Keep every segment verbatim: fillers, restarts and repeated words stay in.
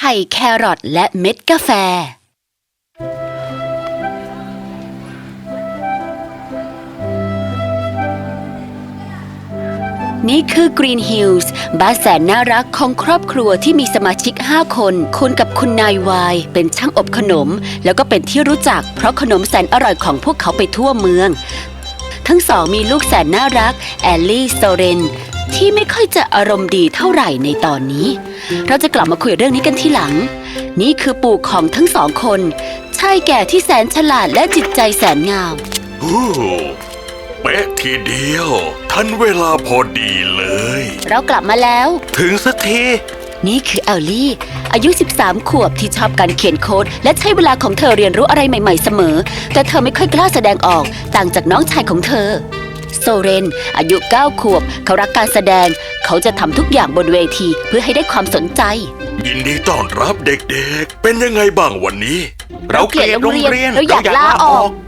ข่แครอทและเม็ดกาแฟนี่คือ Green Hills บ้านแสนน่ารักของครอบครัวที่มีสมาชิกห้าคนคุณกับคุณนายวายเป็นช่างอบขนมแล้วก็เป็นที่รู้จักเพราะขนมแสนอร่อยของพวกเขาไปทั่วเมืองทั้งสองมีลูกแสนน่ารักแอลลี่โซเรนที่ไม่ค่อยจะอารมณ์ดีเท่าไหร่ในตอนนี้เราจะกลับมาคุยเรื่องนี้กันทีหลังนี่คือปู่ของทั้งสองคนชายแก่ที่แสนฉลาดและจิตใจแสนงามเป๊ะทีเดียวทันเวลาพอดีเลยเรากลับมาแล้วถึงสักทีนี่คือแอลลี่อายุสิบสามขวบที่ชอบการเขียนโค้ดและใช้เวลาของเธอเรียนรู้อะไรใหม่ๆเสมอแต่เธอไม่ค่อยกล้าแสดงออกต่างจากน้องชายของเธอโซเรนอายุเก้าขวบเขารักการแสดงเขาจะทำทุกอย่างบนเวทีเพื่อให้ได้ความสนใจยินดีต้อนรับเด็กๆเป็นยังไงบ้างวันนี้เราเกลียดโรงเรียนเราอยากลาออก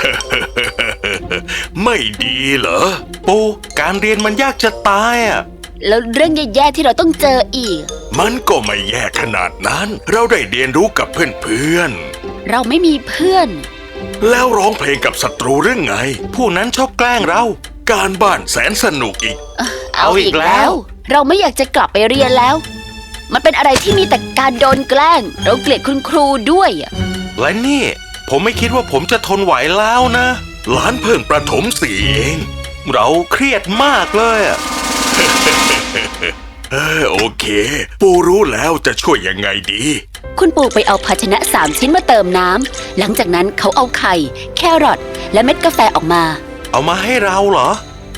ไม่ดีเหรอปูการเรียนมันยากจะตายอ่ะแล้วเรื่องแย่ๆที่เราต้องเจออีกมันก็ไม่แย่ขนาดนั้นเราได้เรียนรู้กับเพื่อนๆเราไม่มีเพื่อนแล้วร้องเพลงกับศัตรูหรือไงผู้นั้นชอบแกล้งเราการบ้านแสนสนุกอีกเอาอีกแล้วเราไม่อยากจะกลับไปเรียนแล้วมันเป็นอะไรที่มีแต่การโดนแกล้งเราเกลียดคุณครูด้วยและนี่ผมไม่คิดว่าผมจะทนไหวแล้วนะหลานเพิ่งประถมสี่เองเราเครียดมากเลย เออโอเคปู่รู้แล้วจะช่วยยังไงดีคุณปู่ไปเอาภาชนะสามชิ้นมาเติมน้ำหลังจากนั้นเขาเอาไข่แครอทและเม็ดกาแฟออกมาเอามาให้เราเหรอ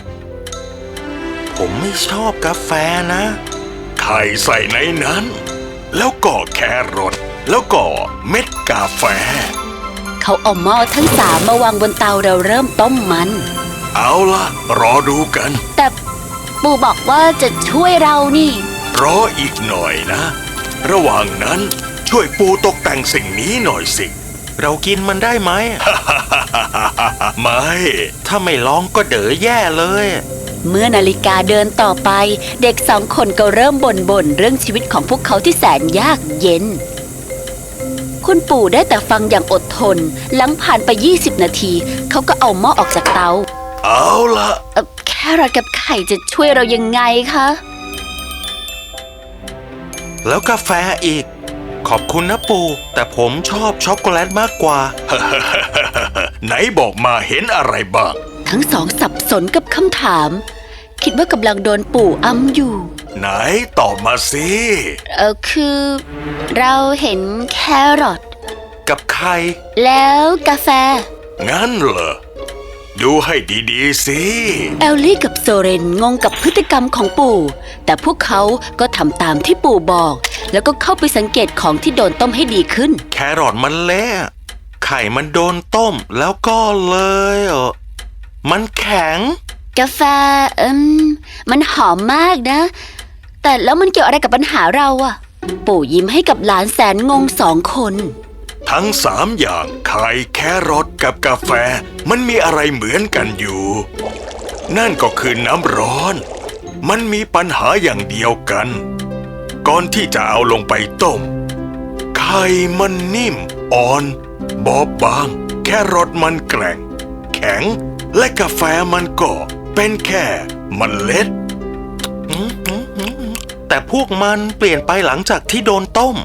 ผมไม่ชอบกาแฟนะไข่ใส่ในนั้นแล้วก็แครอทแล้วก็เม็ดกาแฟเขาเอาหม้อทั้งสามมาวางบนเตาเราเริ่มต้มมันเอาล่ะรอดูกันแต่ปู่บอกว่าจะช่วยเรานี่รออีกหน่อยนะระหว่างนั้นช่วยปู่ตกแต่งสิ่งนี้หน่อยสิเรากินมันได้ไหม ไม่ถ้าไม่ลองก็เด๋อแย่เลยเมื่อนาฬิกาเดินต่อไปเด็กสองคนก็เริ่มบ่นบ่นเรื่องชีวิตของพวกเขาที่แสนยากเย็นคุณปู่ได้แต่ฟังอย่างอดทนหลังผ่านไปยี่สิบนาทีเขาก็เอาหม้อออกจากเตาเอาล่ะแครอทกับไข่จะช่วยเรายังไงคะแล้วกาแฟอีกขอบคุณนะปู่แต่ผมชอบช็อกโกแลตมากกว่า ไหนบอกมาเห็นอะไรบ้างทั้งสองสับสนกับคำถามคิดว่ากำลังโดนปู่อำอยู่ไหนตอบมาสิเออคือเราเห็นแครอทกับไข่แล้วกาแฟงั้นเหรอดูให้ดีๆสิแอลลี่กับโซเรนงงกับพฤติกรรมของปู่แต่พวกเขาก็ทำตามที่ปู่บอกแล้วก็เข้าไปสังเกตของที่โดนต้มให้ดีขึ้นแครอทมันเละไข่มันโดนต้มแล้วก็เลยเออมันแข็งกาแฟอืมมันหอมมากนะแต่แล้วมันเกี่ยวอะไรกับปัญหาเราอะปู่ยิ้มให้กับหลานแสนงงสองคนทั้งสามอย่างไข่แครอทกับกาแฟมันมีอะไรเหมือนกันอยู่นั่นก็คือน้ำร้อนมันมีปัญหาอย่างเดียวกันก่อนที่จะเอาลงไปต้มไข่มันนิ่มอ่อนบอบบางแครอทมันแกร่งแข็งและกาแฟมันก็เป็นแค่เมล็ดแต่พวกมันเปลี่ยนไปหลังจากที่โดนต้ม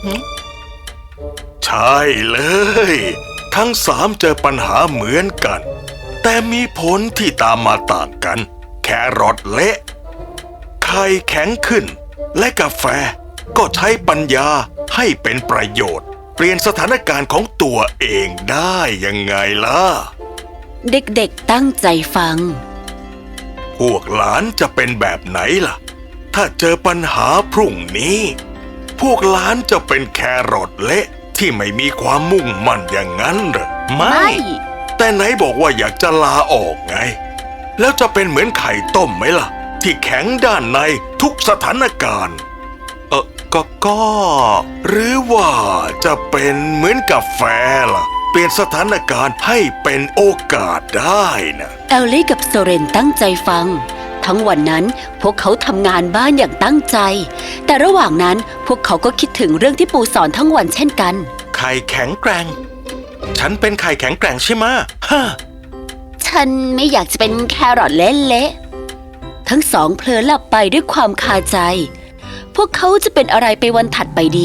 ใช่เลยทั้งสามเจอปัญหาเหมือนกันแต่มีผลที่ตามมาต่างกันแครอทเละไข่แข็งขึ้นและกาแฟก็ใช้ปัญญาให้เป็นประโยชน์เปลี่ยนสถานการณ์ของตัวเองได้ยังไงล่ะเด็กๆตั้งใจฟังพวกหลานจะเป็นแบบไหนล่ะถ้าเจอปัญหาพรุ่งนี้พวกหลานจะเป็นแครอทเละที่ไม่มีความมุ่งมั่นอย่างนั้นหรอไม่แต่ไหนบอกว่าอยากจะลาออกไงแล้วจะเป็นเหมือนไข่ต้มไหมล่ะที่แข็งด้านในทุกสถานการณ์เออก็ก็หรือว่าจะเป็นเหมือนกาแฟล่ะเปลี่ยนสถานการณ์ให้เป็นโอกาสได้นะแอลลี่กับโซเรนตั้งใจฟังทั้งวันนั้นพวกเขาทำงานบ้านอย่างตั้งใจ แต่ระหว่างนั้นพวกเขาก็คิดถึงเรื่องที่ปู่สอนทั้งวันเช่นกันไข่แข็งแกร่ง ฉันเป็นไข่แข็งแกร่งใช่ไหมะฮะฉันไม่อยากจะเป็นแครอทเละๆทั้งสองเพลินหลับไปด้วยความคาใจ พวกเขาจะเป็นอะไรไปวันถัดไปดี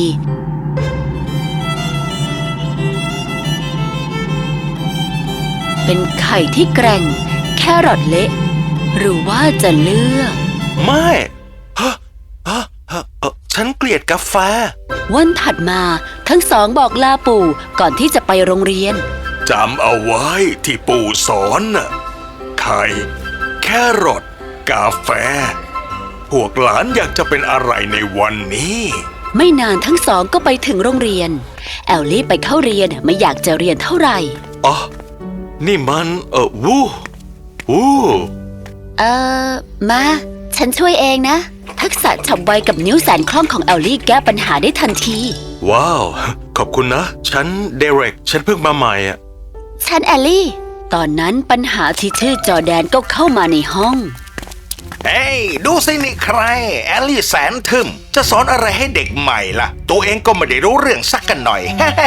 เป็นไข่ที่แกร่งแครอทเละหรือว่าจะเลือกไม่ฮะฮะฮะเอ่อฉันเกลียดกาแฟวันถัดมาทั้งสองบอกลาปู่ก่อนที่จะไปโรงเรียนจำเอาไว้ที่ปู่สอนน่ะ ไข่ แครอทกาแฟ พวกหลานอยากจะเป็นอะไรในวันนี้ไม่นานทั้งสองก็ไปถึงโรงเรียน แอลลี่ไปเข้าเรียนไม่อยากจะเรียนเท่าไหร่อ๋อ นี่มันเออวู้วู้เออมา ฉันช่วยเองนะ ทักษะฉับไวกับนิ้วแสนคล่องของแอลลี่แก้ปัญหาได้ทันทีว้าว ขอบคุณนะ ฉันเดเร็ก ฉันเพิ่งมาใหม่อ่ะฉันแอลลี่ ตอนนั้นปัญหาที่ชื่อจอร์แดนก็เข้ามาในห้องเฮ้ยดูสินี่ใคร แอลลี่แสนทึมจะสอนอะไรให้เด็กใหม่ล่ะ ตัวเองก็ไม่ได้รู้เรื่องสักกันหน่อย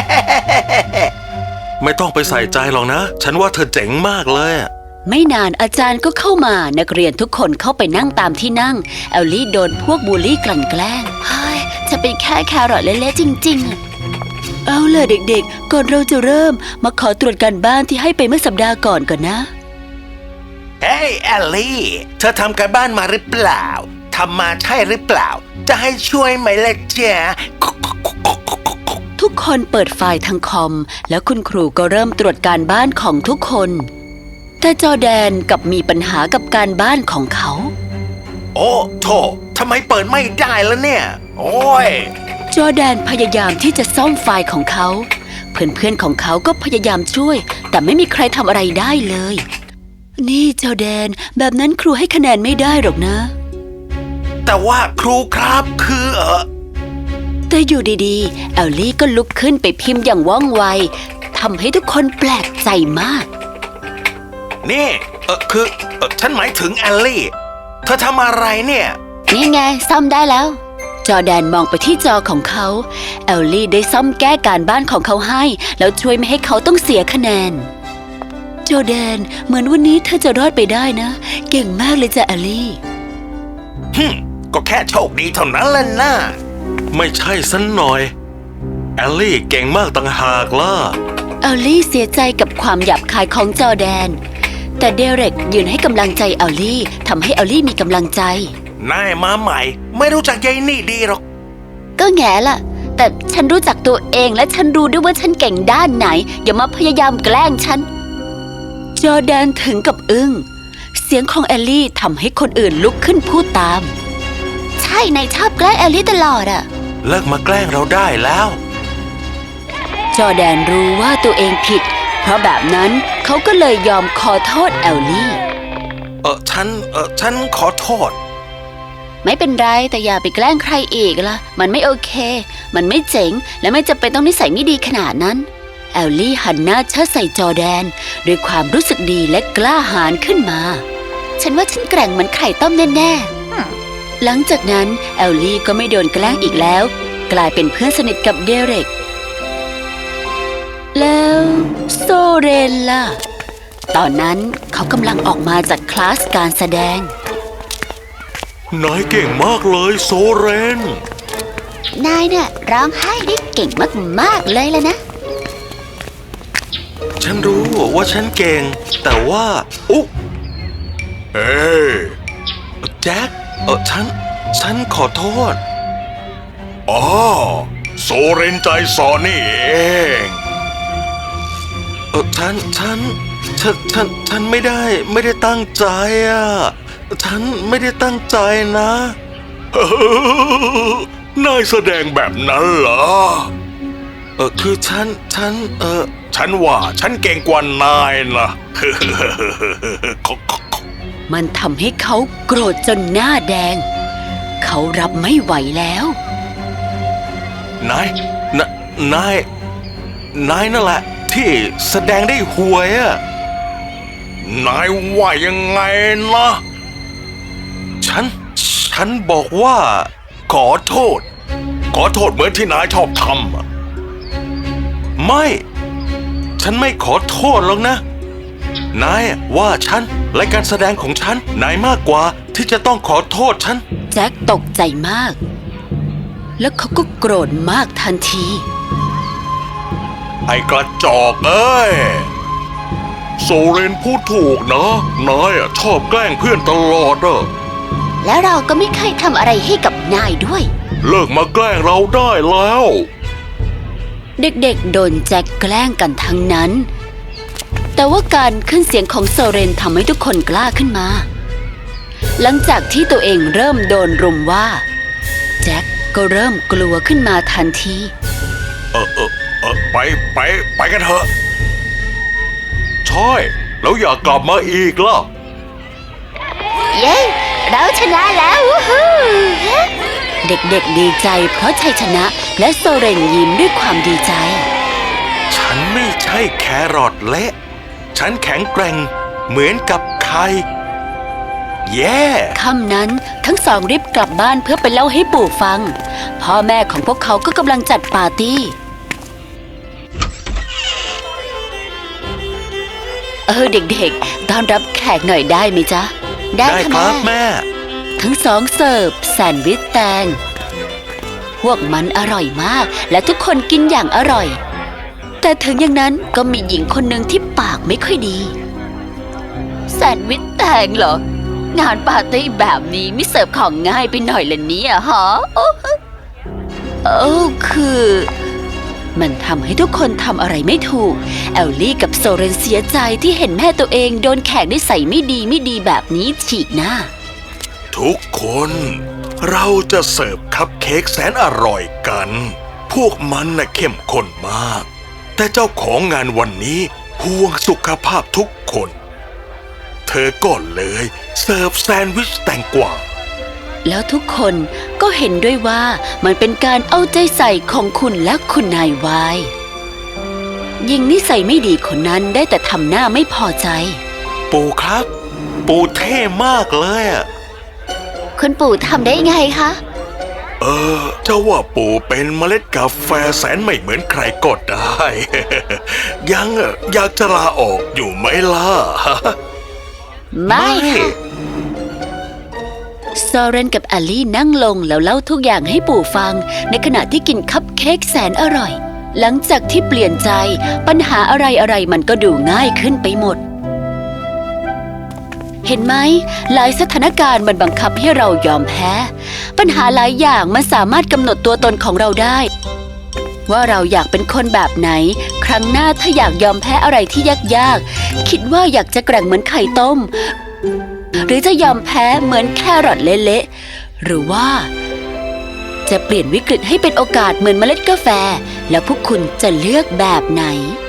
ไม่ต้องไปใส่ใจหรอกนะ ฉันว่าเธอเจ๋งมากเลยอะไม่นานอาจารย์ก็เข้ามานักเรียนทุกคนเข้าไปนั่งตามที่นั่ง แอลลี่โดนพวกบูลลี่กลั่นแกล้งเฮ้ยจะเป็นแค่แครอทเละๆจริงๆ เอาล่ะเด็กๆ ก่อนเราจะเริ่มมาขอตรวจการบ้านที่ให้ไปเมื่อสัปดาห์ก่อนก่อนนะเฮ้ยแอลลี่ เธอทำการบ้านมาหรือเปล่าทำมาใช่หรือเปล่า จะให้ช่วยไหมล่ะจ๊ะทุกคนเปิดไฟล์ทางคอม แล้วคุณครูก็เริ่มตรวจการบ้านของทุกคน แต่จอร์แดนกลับมีปัญหากับการบ้านของเขาโอ้โถทำไมเปิดไม่ได้ล่ะเนี่ย โอ้ยจอร์แดนพยายามที่จะซ่อมไฟล์ของเขา เพื่อนๆของเขาก็พยายามช่วย แต่ไม่มีใครทำอะไรได้เลย นี่จอร์แดนแบบนั้นครูให้คะแนนไม่ได้หรอกนะแต่ว่าครูครับคือเออแต่อยู่ดีๆ แอลลี่ก็ลุกขึ้นไปพิมพ์อย่างว่องไวทำให้ทุกคนแปลกใจมากนี่เออคือเออฉันหมายถึงแอลลี่ เธอทำอะไรเนี่ยนี่ไงซ่อมได้แล้ว จอร์แดนมองไปที่จอของเขา แอลลี่ได้ซ่อมแก้การบ้านของเขาให้ แล้วช่วยไม่ให้เขาต้องเสียคะแนน จอร์แดนเหมือนวันนี้เธอจะรอดไปได้นะ เก่งมากเลยจ้ะแอลลี่ฮึมก็แค่โชคดีเท่านั้นแหละนะไม่ใช่สันหน่อย แอลลี่เก่งมากต่างหากล่ะแอลลี่เสียใจกับความหยาบคายของจอร์แดน แต่เดเร็กยืนให้กำลังใจแอลลี่ทำให้แอลลี่มีกำลังใจนายมาใหม่ ไม่รู้จักยายนี่ดีหรอกก็แง่ล่ะ แต่ฉันรู้จักตัวเองและฉันรู้ด้วยว่าฉันเก่งด้านไหน อย่ามาพยายามแกล้งฉัน จอร์แดนถึงกับอึ้ง เสียงของแอลลี่ทำให้คนอื่นลุกขึ้นพูดตาม ใช่นายชอบแกล้งแอลลี่ตลอดอะเลิกมาแกล้งเราได้แล้วจอร์แดนรู้ว่าตัวเองผิด เพราะแบบนั้นเขาก็เลยยอมขอโทษแอลลี่เออฉัน เออฉันขอโทษไม่เป็นไรแต่อย่าไปแกล้งใครอีกล่ะ มันไม่โอเค มันไม่เจ๋งและไม่จำเป็นต้องนิสัยไม่ดีขนาดนั้น แอลลี่หันหน้าเชิดใส่จอร์แดนด้วยความรู้สึกดีและกล้าหาญขึ้นมา ฉันว่าฉันแกร่งเหมือนไข่ต้มแน่ๆหลังจากนั้นแอลลี่ก็ไม่โดนแกล้งอีกแล้ว กลายเป็นเพื่อนสนิทกับเดเร็กแล้วโซเรนล่ะ ตอนนั้นเขากำลังออกมาจากคลาสการแสดงนายเก่งมากเลยโซเรนนายเนี่ยร้องไห้ได้เก่งมากๆเลยแล้วนะฉันรู้ว่าฉันเก่ง แต่ว่า อุ๊เอ้ยแจ็ค เออฉัน ฉันขอโทษ อ๋อ โซเรนใจสอนนี่เอง เออฉัน ฉัน ฉัน ฉัน ฉันไม่ได้ ไม่ได้ตั้งใจอ่ะ ฉันไม่ได้ตั้งใจนะเออนายแสดงแบบนั้นเหรอ เออคือฉัน ฉัน เออ ฉันว่าฉันเก่งกว่านายนะมันทำให้เขาโกรธจนหน้าแดง เขารับไม่ไหวแล้วนายนนาย นายนั่นแหละ ที่แสดงได้ห่วยอะนายว่ายังไงนะฉัน ฉันบอกว่า ขอโทษ ขอโทษเหมือนที่นายชอบทำอะไม่ ฉันไม่ขอโทษหรอกนะ นายว่าฉันและการแสดงของฉัน นายมากกว่าที่จะต้องขอโทษฉันแจ็คตกใจมาก แล้วเขาก็โกรธมากทันทีไอ้กระจอกเอ้ย โซเรนพูดถูกนะ นายอะชอบแกล้งเพื่อนตลอดอะแล้วเราก็ไม่เคยทำอะไรให้กับนายด้วยเลิกมาแกล้งเราได้แล้วเด็กๆโดนแจ็คแกล้งกันทั้งนั้น แต่ว่าการขึ้นเสียงของโซเรนทำให้ทุกคนกล้าขึ้นมา หลังจากที่ตัวเองเริ่มโดนรุมว่า แจ็คก็เริ่มกลัวขึ้นมาทันทีเออเออเออไปไปไปกันเถอะใช่แล้วอย่ากลับมาอีกล่ะเย้ เราชนะแล้วเด็กๆดีใจเพราะชัยชนะและโซเรนยิ้มด้วยความดีใจฉันไม่ใช่แครอทเละฉันแข็งแกร่งเหมือนกับไข่แย่ค่ำนั้นทั้งสองรีบกลับบ้านเพื่อไปเล่าให้ปู่ฟัง พ่อแม่ของพวกเขาก็กำลังจัดปาร์ตี้ เออเด็กๆต้อนรับแขกหน่อยได้ไหมจ๊ะได้ครับแม่ทั้งสองเสิร์ฟแซนด์วิชแตง พวกมันอร่อยมากและทุกคนกินอย่างอร่อย แต่ถึงอย่างนั้นก็มีหญิงคนหนึ่งที่ปากไม่ค่อยดี แซนด์วิชแตงเหรอ งานปาร์ตี้แบบนี้ไม่เสิร์ฟของง่ายไปหน่อยละเนี่ยฮะโอ้เออคือ มันทำให้ทุกคนทำอะไรไม่ถูก แอลลี่กับโซเรนเสียใจที่เห็นแม่ตัวเองโดนแขกนิสัยไม่ดีไม่ดีแบบนี้ฉีกหน้าทุกคน เราจะเสิร์ฟคัพเค้กแสนอร่อยกัน พวกมันน่ะเข้มข้นมาก แต่เจ้าของงานวันนี้ห่วงสุขภาพทุกคน เธอก็เลยเสิร์ฟแซนด์วิชแตงกวาแล้วทุกคนก็เห็นด้วยว่ามันเป็นการเอาใจใส่ของคุณและคุณนายวายหญิงนิสัยไม่ดีคนนั้นได้แต่ทำหน้าไม่พอใจปู่ครับ ปู่เท่มากเลยอะคุณปู่ทำได้ไงคะเออเจ้าว่าปู่เป็นเมล็ดกาแฟแสนไม่เหมือนใครก็ได้ ยังอะอยากจะลาออกอยู่ไหมล่ะไม่ค่ะโซเรนกับแอลลี่นั่งลงแล้วเล่าทุกอย่างให้ปู่ฟังในขณะที่กินคัพเค้กแสนอร่อย หลังจากที่เปลี่ยนใจปัญหาอะไรอะไรมันก็ดูง่ายขึ้นไปหมด เห็นไหมหลายสถานการณ์มันบังคับให้เรายอมแพ้ ปัญหาหลายอย่างมันสามารถกำหนดตัวตนของเราได้ ว่าเราอยากเป็นคนแบบไหน ครั้งหน้าถ้าอยากยอมแพ้อะไรที่ยากๆคิดว่าอยากจะแกร่งเหมือนไข่ต้ม หรือจะยอมแพ้เหมือนแครอทเละๆหรือว่า จะเปลี่ยนวิกฤตให้เป็นโอกาสเหมือนเมล็ดกาแฟ แล้วพวกคุณจะเลือกแบบไหน